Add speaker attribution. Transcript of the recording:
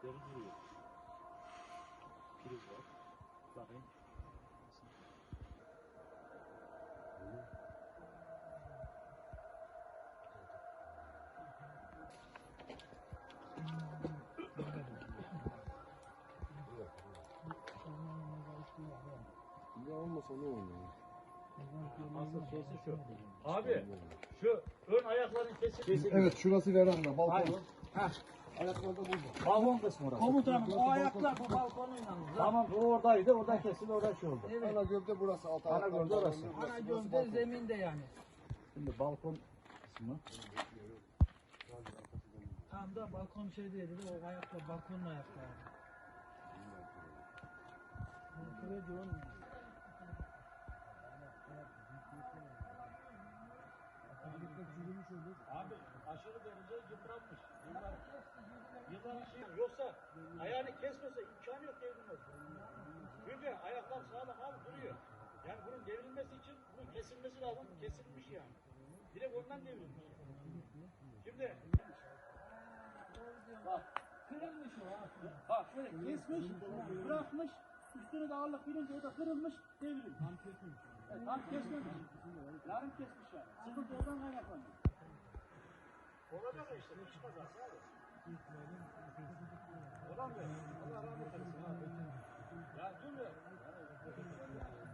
Speaker 1: Deri duruyor. Priz var. Bakayım.
Speaker 2: Ne olmasa ne olur?
Speaker 1: Asıl şeysi şu. Abi şu ön ayakların kesilmesi.
Speaker 2: Evet, şurası veranda, balkon. Ayaklarda burada.
Speaker 1: Balkon kısmı orası.
Speaker 3: Komutanım o ayaklar bu balkonuyla.
Speaker 1: Tamam o oradaydı. Oradan kesildi. Oradan şey oldu.
Speaker 2: Ana gövde burası, alt
Speaker 1: Ana
Speaker 2: ayaklar.
Speaker 1: gövde orası.
Speaker 3: Ana gövde zeminde yani.
Speaker 1: Şimdi balkon kısmı.
Speaker 3: Tam da balkon şey değil o ayaklar balkonun ayakları. Kırıcı onun.
Speaker 1: Abi aşırı derece yıpranmış. Yıllar şey yoksa ayağını kesmese imkanı yok devrilmez. Çünkü ayaklar sağlam abi duruyor. Yani bunun devrilmesi için bunun kesilmesi lazım. Kesilmiş yani. Direkt ondan devrilmiş. Şimdi bak
Speaker 3: Kırılmış o ha. Bak şöyle kesmiş, bırakmış, üstüne de ağırlık binince o da kırılmış, devrilmiş. Tam kesmiş. Tam kesmemiş. Yarım kesmiş yani. Sıkıntı oradan kaynaklanıyor.
Speaker 1: olacak o işte. Hiç kazası abi. Olan mı? Allah rahmet eylesin abi. Ya dur ya.